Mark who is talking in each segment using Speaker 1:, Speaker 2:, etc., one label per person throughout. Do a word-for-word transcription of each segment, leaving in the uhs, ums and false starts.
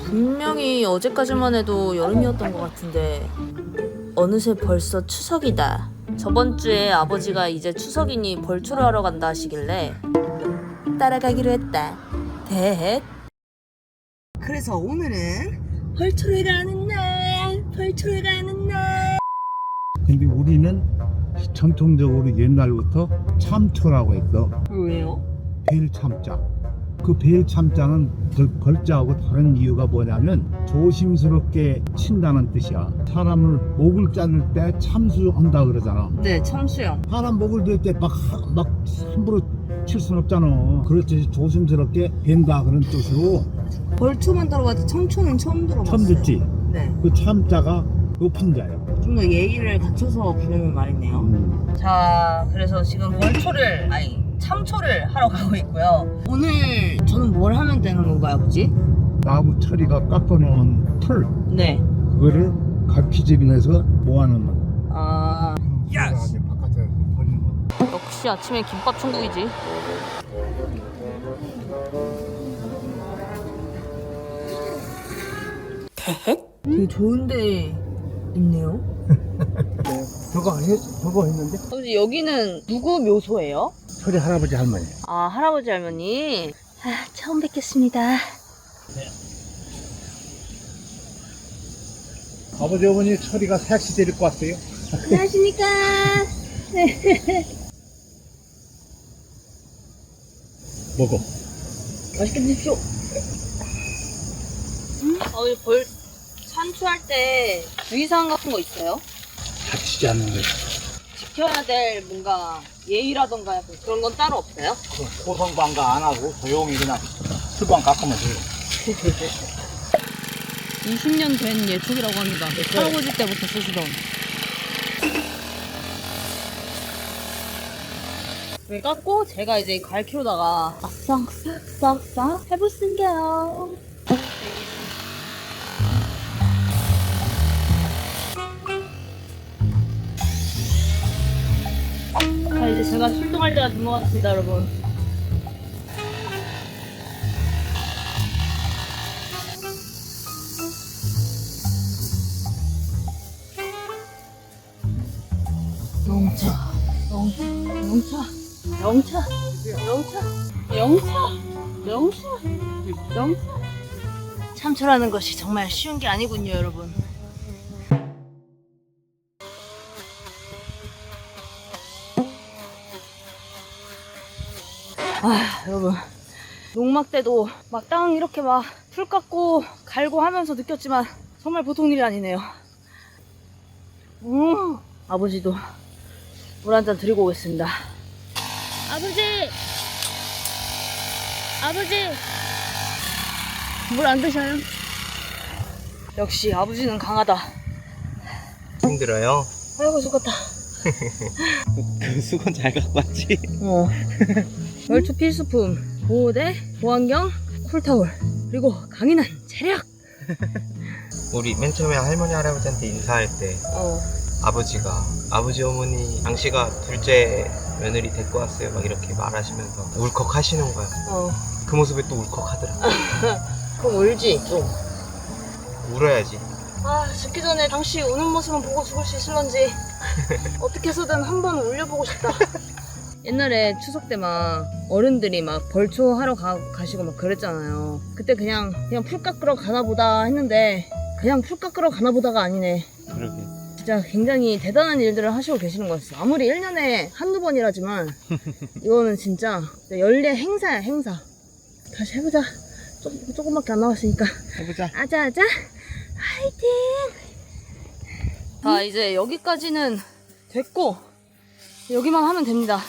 Speaker 1: 분명히 어제까지만 해도 여름이었던 것 같은데 어느새 벌써 추석이다. 저번 주에 아버지가 이제 추석이니 벌초를 하러 간다 하시길래 따라가기로 했다. 대 그래서 오늘은 벌초를 가는 날, 벌초를 가는 날.
Speaker 2: 근데 우리는 전통적으로 옛날부터 참초라고 했어.
Speaker 1: 왜요?
Speaker 2: 벨 참자. 그 벨 참자는 벌, 벌자하고 다른 이유가 뭐냐면 조심스럽게 친다는 뜻이야. 사람을 목을 자를 때 참수한다 그러잖아.
Speaker 1: 네, 참수요.
Speaker 2: 사람 목을 들 때 막 막 함부로 칠 순 없잖아. 그렇지, 조심스럽게 벤다 그런 뜻으로.
Speaker 1: 벌초만 들어봤지 청초는 처음 들어봤어요.
Speaker 2: 처음 듣지?
Speaker 1: 네.
Speaker 2: 그 참자가 높은 자야.
Speaker 1: 좀 더 예의를 갖춰서 부르는 말이네요.
Speaker 2: 음.
Speaker 1: 자, 그래서 지금 벌초를, 아니 참초를 하러 가고 있고요. 오늘 저는 뭘 하면 되는 건가요, 아버지?
Speaker 2: 나무 처리가 깎아놓은 풀,
Speaker 1: 네.
Speaker 2: 그거를 갈피집에서 모아놓는 거.
Speaker 1: 아,
Speaker 2: 예스! 바깥에 버리는 거.
Speaker 1: 역시 아침에 김밥 천국이지. 되게 좋은데 있네요.
Speaker 2: 저거 안 했, 저거 했는데?
Speaker 1: 아버지, 여기는 누구 묘소예요?
Speaker 2: 철이 할아버지 할머니.
Speaker 1: 아, 할아버지 할머니. 아, 처음 뵙겠습니다.
Speaker 2: 아버지 어머니 철이가 색시 데리고 왔어요.
Speaker 1: 안녕하십니까.
Speaker 2: 먹어.
Speaker 1: 맛있게 드십시오. 어, 벌 산초할 때 주의사항 같은 거 있어요?
Speaker 2: 다치지 않는 거.
Speaker 1: 지켜야 될 뭔가 예의라던가 약간 그런 건 따로 없어요?
Speaker 2: 고성방가 안 하고 조용히 그냥 술방 깎으면 돼요.
Speaker 1: 이십 년 된 예촉이라고 합니다. 할아버지 때부터 쓰시던. 왜 깎고 제가 이제 갈키로다가 싹싹싹싹 해보신게요. 자, 이제 제가 출동할 때가 된 것 같습니다, 여러분. 영차, 영차, 영차, 영차, 영차, 영차, 영차, 영차. 참초라는 것이 정말 쉬운 게 아니군요, 여러분. 아, 여러분. 농막 때도 막 땅 이렇게 막 풀 깎고 갈고 하면서 느꼈지만 정말 보통 일이 아니네요. 음, 아버지도 물 한 잔 드리고 오겠습니다. 아버지! 아버지! 물 안 드셔요? 역시 아버지는 강하다.
Speaker 3: 힘들어요?
Speaker 1: 아이고, 죽었다.
Speaker 3: 그 수건 잘 갖고 왔지?
Speaker 1: 어. 월초 필수품 보호대, 보안경, 쿨타올, 그리고 강인한 체력.
Speaker 3: 우리 맨 처음에 할머니 할아버지한테 인사할 때
Speaker 1: 어.
Speaker 3: 아버지가 아버지 어머니 당시가 둘째 며느리 데리고 왔어요 막 이렇게 말하시면서 울컥 하시는 거야.
Speaker 1: 어.
Speaker 3: 그 모습에 또 울컥 하더라.
Speaker 1: 그럼 울지 좀.
Speaker 3: 울어야지.
Speaker 1: 아, 죽기 전에 당시 우는 모습만 보고 죽을 수 있을런지 어떻게 해서든 한번 울려보고 싶다. 옛날에 추석 때 막 어른들이 막 벌초 하러 가, 가시고 막 그랬잖아요. 그때 그냥 그냥 풀 깎으러 가나 보다 했는데 그냥 풀 깎으러 가나 보다가 아니네.
Speaker 3: 그러게.
Speaker 1: 진짜 굉장히 대단한 일들을 하시고 계시는 거였어. 아무리 일 년에 한두 번이라지만 이거는 진짜 연례 행사야, 행사. 다시 해보자. 조금, 조금밖에 안 남았으니까
Speaker 3: 해보자.
Speaker 1: 아자아자 화이팅. 자, 이제 여기까지는 됐고 여기만 하면 됩니다.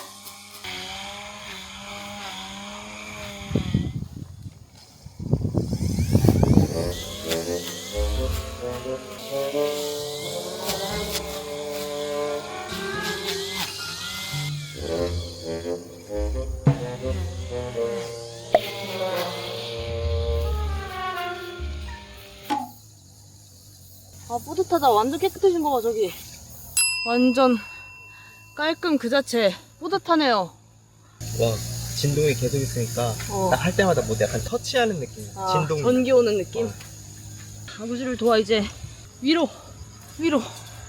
Speaker 1: 아, 뿌듯하다. 완전 깨끗해진 거 봐, 저기. 완전 깔끔 그 자체. 뿌듯하네요.
Speaker 3: 와, 진동이 계속 있으니까
Speaker 1: 어.
Speaker 3: 딱 할 때마다 뭐 약간 터치하는 느낌.
Speaker 1: 아,
Speaker 3: 진동.
Speaker 1: 전기 오는 느낌? 아버지를 도와 이제 위로 위로.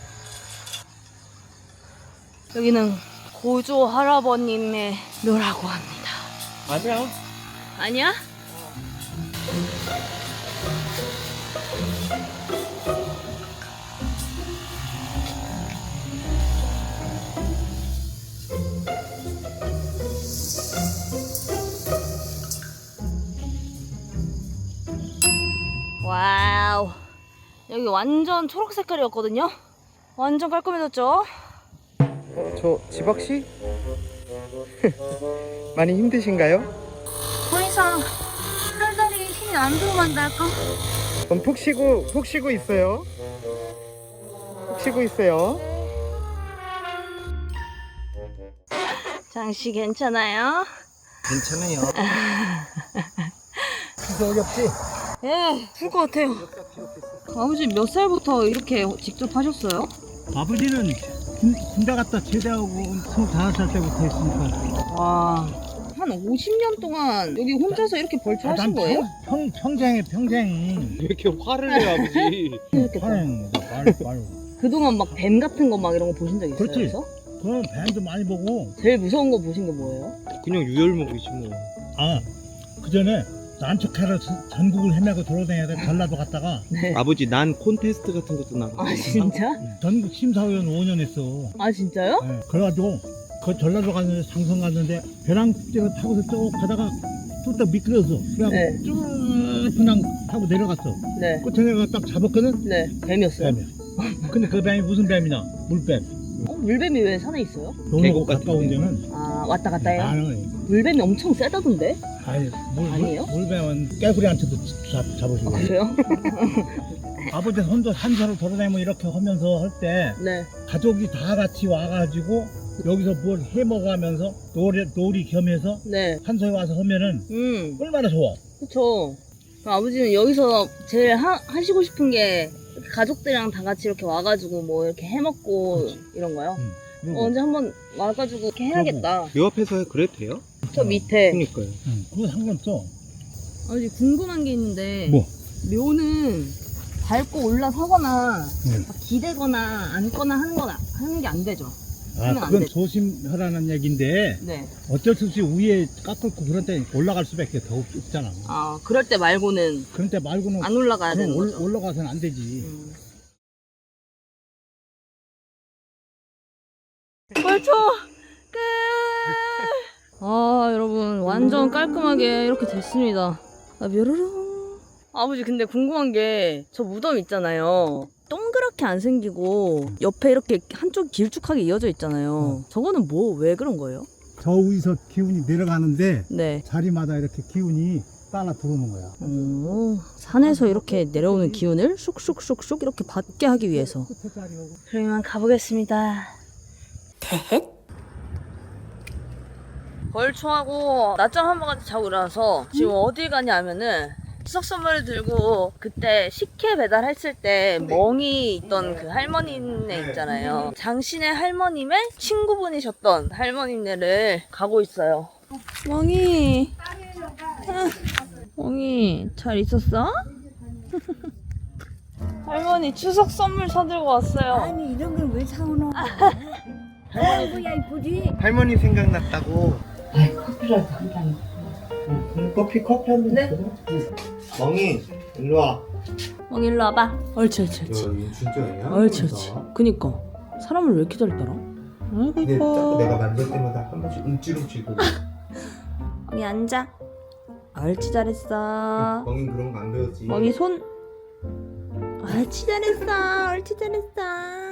Speaker 1: 여기는 고조 할아버님의 묘라고 합니다.
Speaker 3: 아니야.
Speaker 1: 아니야? 와우, 여기 완전 초록 색깔이었거든요. 완전 깔끔해졌죠?
Speaker 3: 어, 저 지박씨? 많이 힘드신가요?
Speaker 1: 더 이상 팔다리에 힘이 안 들어간다 할까?
Speaker 3: 그럼 푹 쉬고 푹 쉬고 있어요. 푹 쉬고 있어요.
Speaker 1: 장씨 괜찮아요?
Speaker 3: 괜찮아요.
Speaker 2: 그래서 어렵지?
Speaker 1: 예, 풀 것 같아요. 아버지 몇 살부터 이렇게 직접 하셨어요?
Speaker 2: 아버지는 군, 군대 갔다 제대하고 스물다섯 살 때부터 했으니까.
Speaker 1: 와, 한 오십 년 동안 여기 혼자서 이렇게 벌초하신
Speaker 2: 난
Speaker 1: 거예요?
Speaker 2: 평, 평, 평생에 평생.
Speaker 3: 왜 이렇게 화를 내요, 아버지?
Speaker 1: 이렇게
Speaker 2: 평생 말, 말.
Speaker 1: 그동안 막 뱀 같은 거 막 이런 거 보신 적 있어요?
Speaker 2: 그렇지.
Speaker 1: 그래서?
Speaker 2: 그럼 뱀도 많이 보고.
Speaker 1: 제일 무서운 거 보신 게 뭐예요?
Speaker 3: 그냥 유혈목이지 뭐.
Speaker 2: 아, 그 전에 난척해서 전국을 헤매고 돌아다녀야 전라도 갔다가
Speaker 1: 네.
Speaker 3: 아버지 난 콘테스트 같은 것도 나가.
Speaker 1: 아 진짜?
Speaker 2: 전국 심사위원 오 년 했어.
Speaker 1: 아 진짜요?
Speaker 2: 네. 그래가지고 그 전라도 갔는데 상선 갔는데 벼랑 축제를 타고서 쭉 가다가 뚝딱 미끄러졌어. 그냥
Speaker 1: 네.
Speaker 2: 쭉 그냥 타고 내려갔어.
Speaker 1: 네.
Speaker 2: 끝에 내가 딱 잡았거든.
Speaker 1: 네. 뱀이었어요.
Speaker 2: 뱀이야. 근데 그 뱀이 무슨 뱀이냐? 물뱀.
Speaker 1: 어, 물뱀이 왜 산에 있어요?
Speaker 2: 너무
Speaker 3: 계곡 같은
Speaker 2: 가까운
Speaker 3: 데.
Speaker 2: 데는
Speaker 1: 아 왔다 갔다 해요?
Speaker 2: 나는
Speaker 1: 물뱀이 엄청 세다던데?
Speaker 2: 아니 물,
Speaker 1: 아니에요?
Speaker 2: 물, 물뱀은 깨구리한테도 잡, 잡으시고.
Speaker 1: 아 그래요?
Speaker 2: 아버지 혼자 산사로 돌아다니면 이렇게 하면서 할 때
Speaker 1: 네.
Speaker 2: 가족이 다 같이 와가지고 여기서 뭘 해먹으면서 놀이, 놀이 겸해서
Speaker 1: 네.
Speaker 2: 산소에 와서 하면은
Speaker 1: 음.
Speaker 2: 얼마나 좋아.
Speaker 1: 그쵸. 그럼 아버지는 여기서 제일 하, 하시고 싶은 게 이렇게 가족들이랑 다 같이 이렇게 와가지고 뭐 이렇게 해먹고
Speaker 2: 그렇지.
Speaker 1: 이런 거요?
Speaker 2: 응. 그리고
Speaker 1: 어, 언제 한번 와가지고 이렇게 해야겠다.
Speaker 3: 요 앞에서 그래도 돼요?
Speaker 1: 저 밑에.
Speaker 3: 그러니까요.
Speaker 2: 응, 그거 상관없어.
Speaker 1: 아버지 궁금한 게 있는데
Speaker 2: 뭐?
Speaker 1: 묘는 밟고 올라서거나
Speaker 2: 응.
Speaker 1: 막 기대거나 앉거나 하는 건 하는 게 안 되죠.
Speaker 2: 아,
Speaker 1: 하면 안
Speaker 2: 그건
Speaker 1: 되죠.
Speaker 2: 조심하라는 얘기인데
Speaker 1: 네.
Speaker 2: 어쩔 수 없이 위에 깎고 그런 때 올라갈 수밖에 더 없- 없잖아.
Speaker 1: 아 그럴 때 말고는
Speaker 2: 그런 때 말고는
Speaker 1: 안 올라가야 되는
Speaker 2: 올,
Speaker 1: 거죠.
Speaker 2: 올라가서는 안 되지.
Speaker 1: 음. 벌초 끝. 아 여러분 완전 깔끔하게 이렇게 됐습니다. 아 뾰로롱. 아버지 근데 궁금한 게 저 무덤 있잖아요. 동그랗게 안 생기고 옆에 이렇게 한쪽 길쭉하게 이어져 있잖아요. 저거는 뭐 왜 그런 거예요?
Speaker 2: 저 위에서 기운이 내려가는데
Speaker 1: 네.
Speaker 2: 자리마다 이렇게 기운이 따라 들어오는 거야.
Speaker 1: 오, 산에서 이렇게 내려오는 기운을 쑥쑥쑥쑥 이렇게 받게 하기 위해서.
Speaker 2: 끝에 자리하고.
Speaker 1: 그러면 가보겠습니다. 벌초하고 낮잠 한 번 같이 자고 일어나서 지금 어디 가냐면은 추석 선물을 들고 그때 식혜 배달했을 때 멍이 있던 그 할머니네 있잖아요. 장신의 할머님의 친구분이셨던 할머니네를 가고 있어요. 멍이, 아, 멍이 잘 있었어? 할머니 추석 선물 사들고 왔어요.
Speaker 4: 아니 이런 걸 왜 사오노? 아이고야 이쁘지?
Speaker 3: 할머니 생각났다고.
Speaker 4: 커피라도 한 잔.
Speaker 3: 응, 커피 커피 한 잔.
Speaker 1: 네.
Speaker 3: 멍이 일로 와.
Speaker 1: 멍이 일로 와봐. 옳지 옳지 옳지.
Speaker 3: 이거 진짜야?
Speaker 1: 옳지 옳지. 그니까 사람을 왜 이렇게 잘 따라? 아이고
Speaker 3: 근데 자꾸
Speaker 1: 이뻐.
Speaker 3: 내가 만질 때마다 한 번씩 움찔움찔 거려.
Speaker 1: 멍이 앉아. 옳지 잘했어.
Speaker 3: 멍이 그런 거 안 배웠지.
Speaker 1: 멍이 손. 옳지 잘했어. 옳지 잘했어.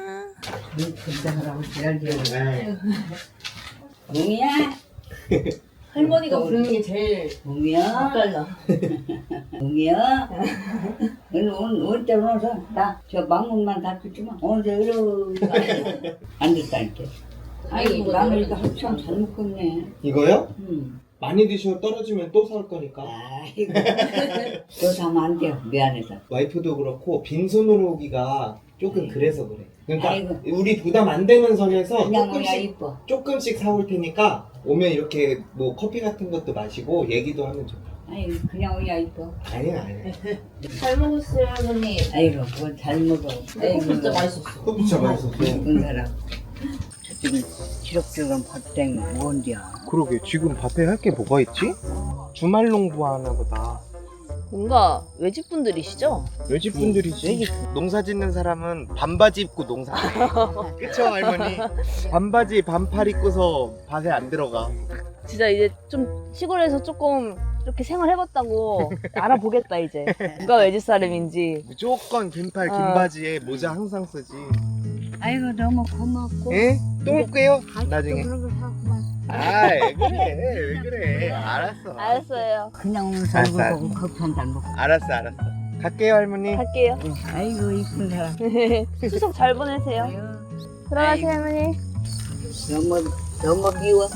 Speaker 4: 긴장하라고 지랄지랄. 몽이야?
Speaker 1: 할머니가 부르는 게 제일
Speaker 4: 몽이야?
Speaker 1: 헷갈려.
Speaker 4: 몽이야? 오늘 오늘 오늘 때 오면서 나저 망문만 닫혔지만 오늘 이러고 앉았다니까. 아이고 나는 이거 한참 잘 먹고 있네.
Speaker 3: 이거요?
Speaker 4: 응.
Speaker 3: 많이 드시면 떨어지면 또 사올 거니까.
Speaker 4: 아이고 너 사면 안 돼요 미안해서.
Speaker 3: 와이프도 그렇고 빈손으로 오기가 조금 그래서 그래. 그러니까
Speaker 4: 아이고.
Speaker 3: 우리 부담 안 되는 선에서
Speaker 4: 그냥 그냥
Speaker 3: 조금씩
Speaker 4: 이뻐.
Speaker 3: 조금씩 사올 테니까 오면 이렇게 뭐 커피 같은 것도 마시고 얘기도 하면 좋아.
Speaker 4: 아이 그냥 오야 이거.
Speaker 5: 아니 아니.
Speaker 1: 잘 먹었어요, 할머니.
Speaker 4: 아이고 그거 잘 먹어. 아이고
Speaker 1: 진짜 맛있었어.
Speaker 5: 또 진짜 맛있었어.
Speaker 4: 이쁜 사람. 저쪽은 지럭지럭한 밭땡 뭔디야.
Speaker 3: 그러게 지금 밭에 할 게 뭐가 있지? 주말 농부하나 보다.
Speaker 1: 뭔가 외집분들이시죠?
Speaker 3: 외집분들이지. 농사 짓는 사람은 반바지 입고 농사. 그쵸 할머니? 반바지 반팔 입고서 밭에 안 들어가.
Speaker 1: 진짜 이제 좀 시골에서 조금 이렇게 생활해봤다고 알아보겠다 이제. 누가 외집 사람인지.
Speaker 3: 무조건 긴팔
Speaker 1: 어.
Speaker 3: 긴 바지에 모자 항상 쓰지.
Speaker 4: 아이고 너무 고맙고.
Speaker 3: 예? 또 올게요.
Speaker 4: 아직도
Speaker 3: 나중에.
Speaker 4: 그런 걸 하고만.
Speaker 3: 아이 그래 왜 그래. 알았어.
Speaker 1: 알았어요.
Speaker 4: 그냥 오면서 얼굴
Speaker 3: 알았어.
Speaker 4: 보고 커피 한 잔 먹고.
Speaker 3: 알았어 알았어. 갈게요 할머니.
Speaker 1: 갈게요.
Speaker 4: 아이고 이쁜 사람.
Speaker 1: 추석 잘 보내세요.
Speaker 4: 아유,
Speaker 1: 들어가세요, 할머니.
Speaker 4: 너무 너무 미워.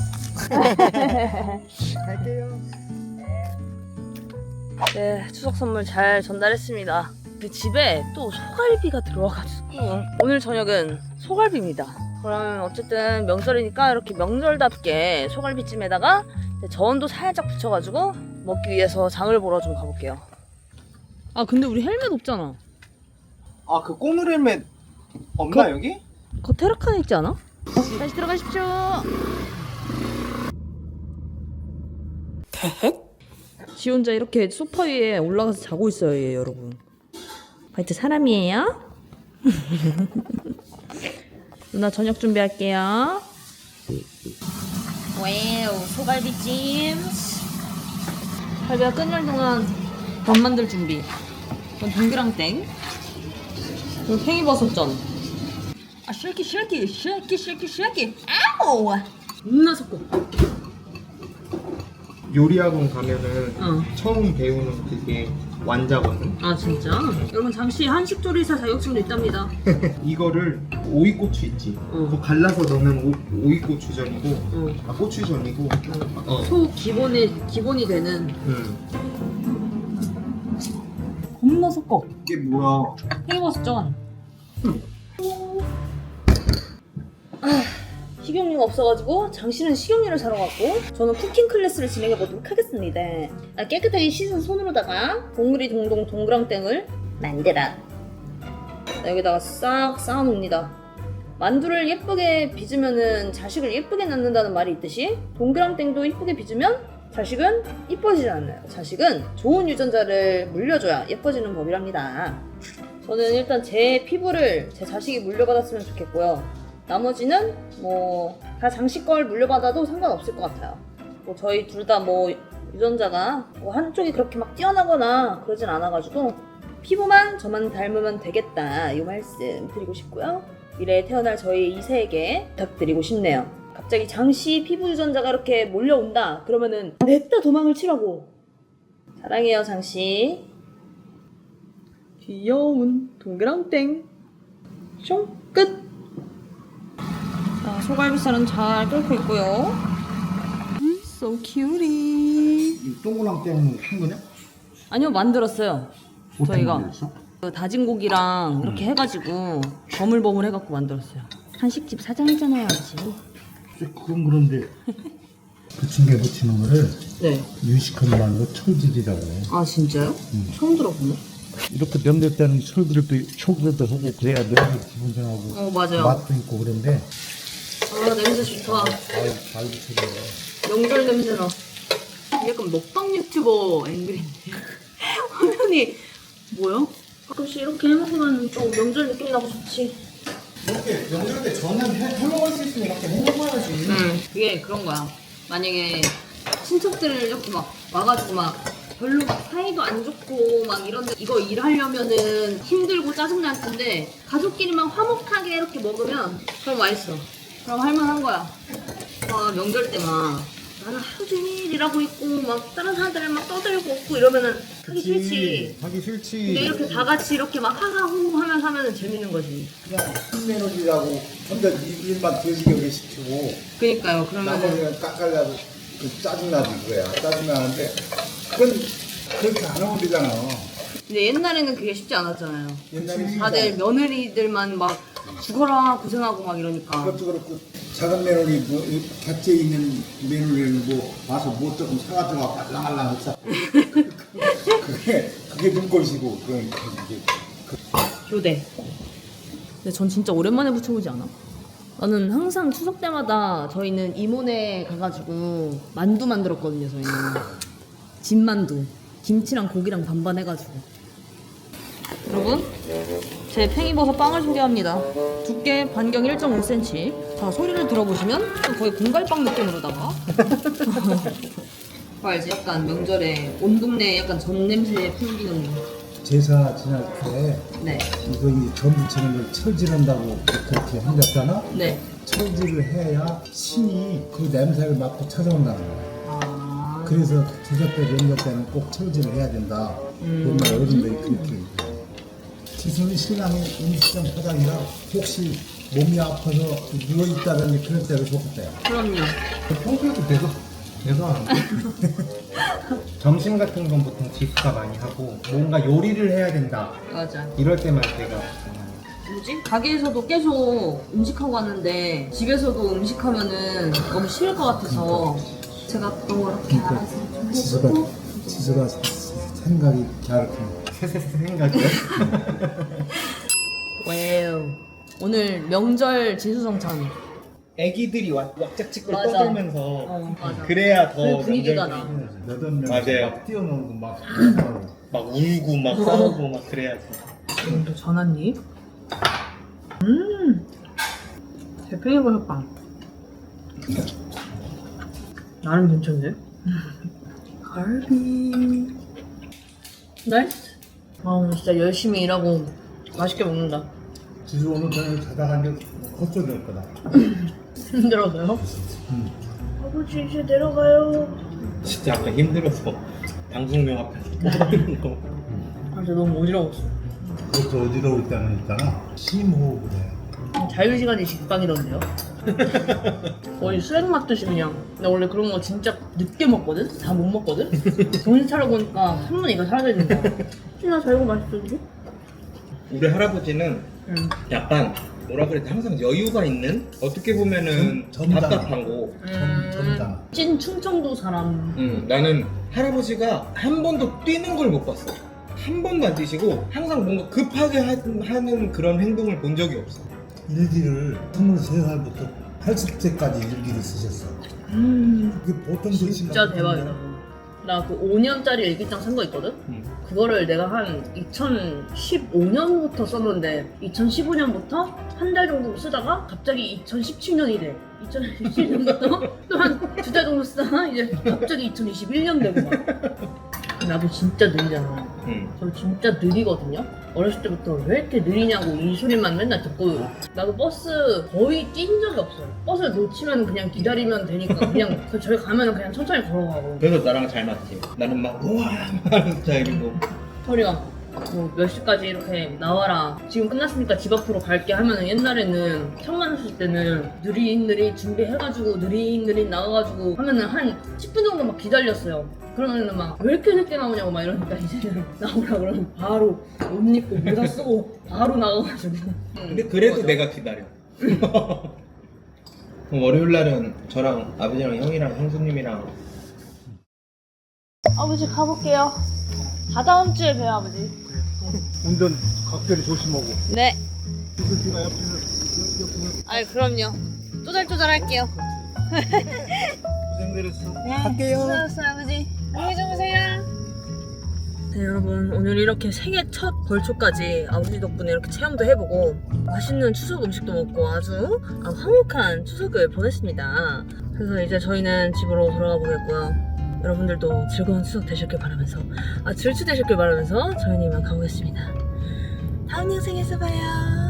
Speaker 3: 갈게요.
Speaker 1: 네, 추석 선물 잘 전달했습니다. 근데 집에 또 소갈비가 들어와가지고 오늘 저녁은 소갈비입니다. 그러면 어쨌든 명절이니까 이렇게 명절답게 소갈비찜에다가 전도 살짝 붙여가지고 먹기 위해서 장을 보러 좀 가볼게요. 아 근데 우리 헬멧 없잖아.
Speaker 3: 아 그 꼬물 헬멧 없나
Speaker 1: 그-
Speaker 3: 여기?
Speaker 1: 그 테라칸에 있지 않아? 다시 들어가십시오. 지 혼자 이렇게 소파 위에 올라가서 자고 있어요, 얘 여러분. 바이트 사람이에요? 누나 저녁 준비할게요. 와우, 소갈비찜. 갈비가 끓는 동안 밥 만들 준비. 이건 동그랑땡. 그리고 팽이버섯전. 아, 쉐키 쉐키 쉐키 쉐키 쉐키. 아우! 겁나 섞어.
Speaker 3: 요리학원 가면은
Speaker 1: 어.
Speaker 3: 처음 배우는 그게 완자거든.
Speaker 1: 아 진짜? 여러분 잠시 한식조리사 자격증도 있답니다.
Speaker 3: 이거를 오이고추 있지.
Speaker 1: 응.
Speaker 3: 그거 갈라서 넣으면 오, 오이고추전이고,
Speaker 1: 응.
Speaker 3: 아 고추전이고. 어.
Speaker 1: 소 기본이 기본이 되는
Speaker 3: 응.
Speaker 1: 겁나 섞어.
Speaker 3: 이게 뭐야?
Speaker 1: 팽이버섯전. 아, 식용유가 없어가지고 장씨는 식용유를 사러 갔고 저는 쿠킹 클래스를 진행해 보도록 하겠습니다. 아, 깨끗하게 씻은 손으로다가 동그리 동동 동그랑땡을 만들어 여기다가 싹 쌓아놓습니다. 만두를 예쁘게 빚으면은 자식을 예쁘게 낳는다는 말이 있듯이 동그랑땡도 예쁘게 빚으면 자식은 이뻐지지 않아요. 자식은 좋은 유전자를 물려줘야 예뻐지는 법이랍니다. 저는 일단 제 피부를 제 자식이 물려받았으면 좋겠고요. 나머지는 뭐 다 장씨 걸 물려받아도 상관없을 것 같아요. 뭐 저희 둘 다 뭐 유전자가 뭐 한쪽이 그렇게 막 뛰어나거나 그러진 않아가지고 피부만 저만 닮으면 되겠다 이 말씀 드리고 싶고요. 미래에 태어날 저희 이 세에게 부탁드리고 싶네요. 갑자기 장씨 피부 유전자가 이렇게 몰려온다 그러면은 냈다 도망을 치라고. 사랑해요 장씨. 귀여운 동그랑땡 숑 끝. 자, 소갈비살은 잘 끓고 있고요. So cutie.
Speaker 2: 이 동그랑땡 한 거냐?
Speaker 1: 아니요, 만들었어요.
Speaker 2: 어떻게
Speaker 1: 저희가
Speaker 2: 만들었어?
Speaker 1: 그 다진 고기랑 이렇게 해가지고 버물버물 해갖고 만들었어요. 한식집 사장이잖아요, 아저씨.
Speaker 2: 그건 그런데 부침개 부치는 거를
Speaker 1: 네.
Speaker 2: 유식하게 만든 거 철질이라고 해.
Speaker 1: 아 진짜요? 처음 들어보네.
Speaker 2: 이렇게 명절 때는 철들도 초들도 하고 그래야 명절 기분 전하고
Speaker 1: 어 맞아요.
Speaker 2: 맛도 있고 그런데
Speaker 1: 아 냄새 좋다.
Speaker 2: 잘, 잘 부쳐져.
Speaker 1: 명절 냄새 나. 약간 먹방 유튜버 앵글인데 화면이 뭐야? 가끔씩 이렇게 해먹으면 좀 명절 느낌 나고 좋지.
Speaker 5: 이렇게 명절 때 저는 해, 해 먹을 수 있으면 이렇게 해 먹어야지.
Speaker 1: 응, 그게 그런 거야. 만약에 친척들을 이렇게 막 와가지고 막 별로 막 사이도 안 좋고 막 이런데 이거 일하려면은 힘들고 짜증날 텐데 가족끼리만 화목하게 이렇게 먹으면 그럼 맛있어. 그럼 할만한 거야. 아 명절 때 막 나는 하루 종일 일하고 있고 막 다른 사람들 막 떠들고 없고 이러면은 하기 싫지.
Speaker 5: 하기 싫지.
Speaker 1: 근데 이렇게 다 같이 이렇게 막 하하호호 하면서 하면은 재밌는 거지.
Speaker 5: 그냥 힘내느라고 혼자 일만 되지게 시키고
Speaker 1: 그니까요. 그러면은
Speaker 5: 나머지는 깎아려고 그 짜증나지 그거야. 짜증나는데 그건 그렇게 안 어울리잖아.
Speaker 1: 근데 옛날에는 그게 쉽지 않았잖아요.
Speaker 5: 옛날에
Speaker 1: 다들 며느리들만 막 죽어라 고생하고 막 이러니까.
Speaker 5: 그것도 그렇고
Speaker 2: 작은 며느리 뭐 이 곁에 있는 며느리를 뭐 와서 뭐 조금 사가지고 말랑말랑 했어. 그게 그게 눈꼴시고 그러니까 이게
Speaker 1: 교대. 근데 전 진짜 오랜만에 부쳐보지 않아? 나는 항상 추석 때마다 저희는 이모네 가가지고 만두 만들었거든요. 저희는 진만두, 김치랑 고기랑 반반 해가지고. 여러분, 제 팽이버섯 빵을 소개합니다. 두께 반경 일 점 오 센티미터. 자, 소리를 들어보시면 거의 공갈빵 느낌으로다가 그거 알지? 약간 명절에 온 동네에 약간 전 냄새 풍기는.
Speaker 2: 제사 지날 때
Speaker 1: 네.
Speaker 2: 이거 이 전부치는 걸 철질한다고 그렇게 한댔잖아.
Speaker 1: 네.
Speaker 2: 철질을 해야 신이 그 냄새를 맡고 찾아온다는 거야.
Speaker 1: 아.
Speaker 2: 그래서 제사 때 명절 때는 꼭 철질을 해야 된다.
Speaker 1: 음.
Speaker 2: 옛날 어른들이 그렇게. 지순이 신랑이 음식점 사장이라 혹시 몸이 아파서 누워 있다든지 그럴 때도 좋겠대요.
Speaker 1: 그럼요.
Speaker 3: 평소에도 계속 계속 하는데 점심 같은 건 보통 지수가 많이 하고 뭔가 요리를 해야 된다
Speaker 1: 맞아.
Speaker 3: 이럴 때만 제가
Speaker 1: 뭐지? 가게에서도 계속 음식하고 왔는데 집에서도 음식하면은 너무 싫을 것 같아서 제가 또 이렇게 알아서 좀
Speaker 2: 지수가
Speaker 1: 해주고.
Speaker 2: 지수가 생각이 갸륵한
Speaker 3: 생각이요?
Speaker 1: 와우. 오늘 명절 진수성찬.
Speaker 3: 애기들이 왁- 왁짝지껄
Speaker 1: 맞아.
Speaker 3: 떠들면서
Speaker 1: 어, 맞아.
Speaker 3: 그래야 더
Speaker 1: 그 분위기가
Speaker 3: 명절이
Speaker 1: 나.
Speaker 2: 여덟 명
Speaker 3: 맞아요.
Speaker 2: 뛰어놀고 막
Speaker 3: 막 울고 막 싸우고 막 그래야지.
Speaker 1: 이건 또 전환잎. 음. 대팽이버섯빵. 나름 괜찮은데? 갈비. 나이스. 아 오늘 진짜 열심히 일하고 맛있게 먹는다.
Speaker 2: 지수 오늘 저녁에 자다가 이제 헛소리할 거다.
Speaker 1: 힘들어서요?
Speaker 2: 음.
Speaker 1: 아버지 이제 내려가요.
Speaker 3: 진짜 아까 힘들어서 방송명 앞에서 떠드는 거.
Speaker 1: 아 진짜 너무 어지러웠어.
Speaker 2: 그것도 어지러울 때는 있잖아 심호흡을 해.
Speaker 1: 자유시간이 직방이던데요? 거의 수액 맞듯이 그냥. 근데 원래 그런 거 진짜 늦게 먹거든? 다 못 먹거든? 정신 차려보니까 삼 분의 이가 사라져 있는 거야. 진짜 자유가 맛있던데?
Speaker 3: 우리 할아버지는
Speaker 1: 응.
Speaker 3: 약간 뭐라 그래 항상 여유가 있는 어떻게 보면은
Speaker 2: 점- 점잖아.
Speaker 3: 답답한 거.
Speaker 2: 점, 점잖아.
Speaker 1: 찐 충청도 사람.
Speaker 3: 음, 나는 할아버지가 한 번도 뛰는 걸 못 봤어. 한 번도 안 뛰시고 항상 뭔가 급하게 하, 하는 그런 행동을 본 적이 없어.
Speaker 2: 일기를 스물세 살부터 팔십 세까지 일기를 쓰셨어.
Speaker 1: 음.
Speaker 2: 그게 보통
Speaker 1: 진짜 대박이다. 나 그 오 년짜리 일기장 산 거 있거든?
Speaker 3: 음.
Speaker 1: 그거를 내가 한 이천십오 년부터 썼는데 이천십오 년부터 한 달 정도 쓰다가 갑자기 이천십칠 년이 돼. 이천십칠 년부터 또 한 두 달 정도 쓰다가 이제 갑자기 이천이십일 년 되고 막. 나도 진짜 느리잖아.
Speaker 3: 음.
Speaker 1: 저 진짜 느리거든요? 어렸을 때부터 왜 이렇게 느리냐고 이 소리만 맨날 듣고 나도 버스 거의 뛴 적이 없어요. 버스를 놓치면 그냥 기다리면 되니까 그냥 그 저희 가면 그냥 천천히 걸어가고
Speaker 3: 그래서 나랑 잘 맞지. 나는 막 우와 하는 스타일이고.
Speaker 1: 소리가 뭐 몇 시까지 이렇게 나와라 지금 끝났으니까 집 앞으로 갈게 하면은 옛날에는 처음 만났을 때는 느릿느릿 준비해가지고 느릿느릿 나가가지고 하면은 한 십 분 정도 막 기다렸어요. 그러면은 막 왜 이렇게 늦게 나오냐고 막 이러니까 이제는 나오라 그러면 바로 옷 입고 모자 쓰고 바로 나가가지고.
Speaker 3: 근데 그래도 내가 기다려. 그럼 월요일 날은 저랑 아버지랑 형이랑 형수님이랑
Speaker 1: 아버지 가볼게요. 다다음 주에 봬요 아버지.
Speaker 2: 운전 각별히 조심하고.
Speaker 1: 네.
Speaker 2: 지수씨가 옆에서 옆에서
Speaker 1: 아이 그럼요. 쪼잘쪼잘 할게요.
Speaker 2: 고생들 했어.
Speaker 1: 갈게요. 수고하셨어요 아버지. 안녕히 주무세요. 네 여러분 오늘 이렇게 생애 첫 벌초까지 아버지 덕분에 이렇게 체험도 해보고 맛있는 추석 음식도 먹고 아주 화목한 추석을 보냈습니다. 그래서 이제 저희는 집으로 돌아가 보겠고요. 여러분들도 즐거운 추석 되셨길 바라면서 아 질추 되셨길 바라면서 저희는 이만 가보겠습니다. 다음 영상에서 봐요.